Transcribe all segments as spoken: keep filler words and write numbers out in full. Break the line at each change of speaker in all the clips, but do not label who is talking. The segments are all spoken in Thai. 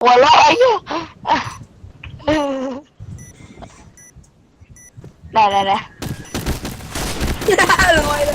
หัวเราะไอ้เหี้ยได้ได้ได้
ลอยเลย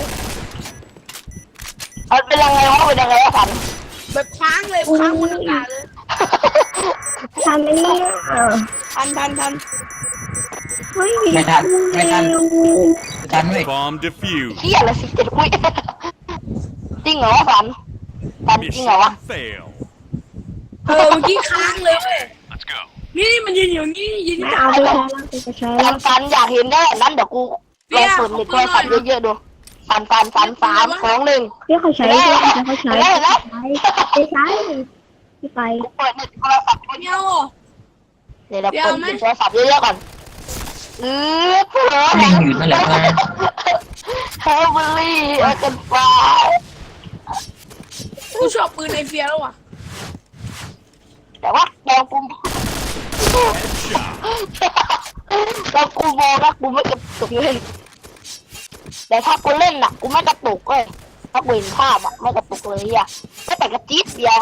มันเป็นยังไงวะเป็นยังไงวะฝัน
แบบค้างเลยค้างบนอากาศเลย
ทันไหมเนี่ย
ทันทันทัน
เฮ้ย
ไม่ทันไม่ทันทันเว้ย
Bomb defused.
เหี้ยอะไรสิเจ็ดอุ้ยจริงเหรอวะฝันฝันจริงเหรอวะ
Mission fail.
เออเมื่อกี้ค้างเลยเว้ย
Let's go.
นี่มันยืนอยู่นี่ยืน
ไม่
อยู่
เอาไปใช้แล้วไปใช้
ฝั
แล้
น
ว
ฝันอยากเห็นได้นั้นเดี๋ยวกูลองเปิดเน็ตโทรศัพท์เยอะๆดูฝันฝันฝันสามสองหนึ่ง
พี่เขาใช้ด้วยเขาใช้
ได้แล้ว
ไปใช้พี่ไป
เปิดเน็ตโทรศัพท์
เดียว
เดี๋ยวเราเปิดเน็ตโทรศัพท์เยอะๆก่อนเออเพื่อ
ไม่อยู่นั่นแหละนะ
เฮลเบอรี่เออกันฟ้า
กูชอบปืนไอเฟียแล้วว่ะ
แต่ว่าแดงปุ่ม แล้วกูโมนะกูไม่กระตุกเลยแต่ถ้ากูเล่นน่ะกูไม่กระตุกเลยถ้ากูเห็นภาพอ่ะไม่กระตุกเลยอ่ะก็แต่กระจิ๊บเดียว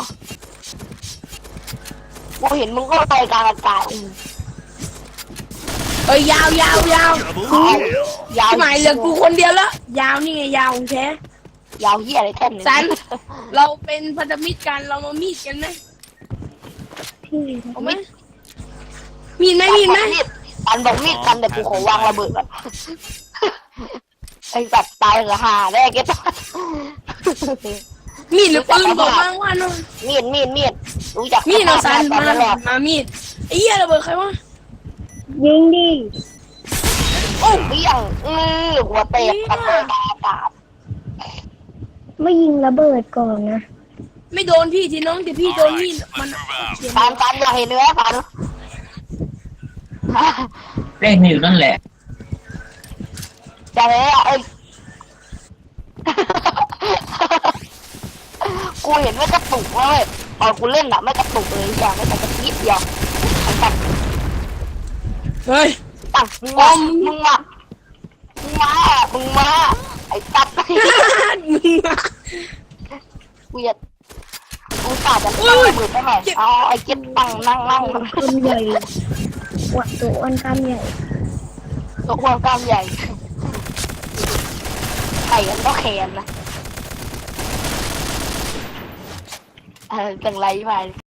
กูเห็นมึงก็ลอยกลางอากาศอืม
เอ้ยยาวยาวยาว
Double kill.
ยาว
พี่หมายเหลือกูคนเดียวแล้วยาวนี่ไงยาวของแท้
ยาวเหี้ยอะไรแท่น
สัน เราเป็นพันธมิตรกันเรามามีดกันไหม
พี่
เอาไหมมีดไหมมีดไหม
สันบอกมีดกันแต่กูขอวางระเบิดก่อนไอ้สัตว์ตายเหรอหาได้แกต้อง
มีดหรือปืนบอกมาว่าน้อง
มีดมีดมีดรู้จัก
มีดเราสัน
ตอน
มา
แรก
มามีดไอ้เหี้ยระเบิดใครวะ
ยิงดิ
โอ้
เบี้ยงอือหัวเตะกันเลยตาตา
ไม่ยิงระเบิดก่อนนะ
ไม่โดนพี่ทีน้องแต่พี่โดนมีดมัน
ฟันฟันอยากเห็นเนื้อฟัน
เล่นอยู่นั่นแหละ
จะเห็นอ่ะเอ้ยกูเห็นไม่กระตุกเลยตอนกูเล่นอะไม่กระตุกเลยอย่างไม่แต่กระติบเดียวไอ้สัตว์
เฮ้ย
ตั้งมึงมามึงมามึงมามึงมาไอ้ตัด
มึงมา
กูจะกูสาดจะตั้งระเบิดได้ไหมเอาไอ้เจ็ดตั้งนั่งนั่ง
กำใหญ่อวดตัวอ้วนกำใหญ่
ตัวควงกล้ามใหญ่ไข่กันก็แขนนะเออจังไรไป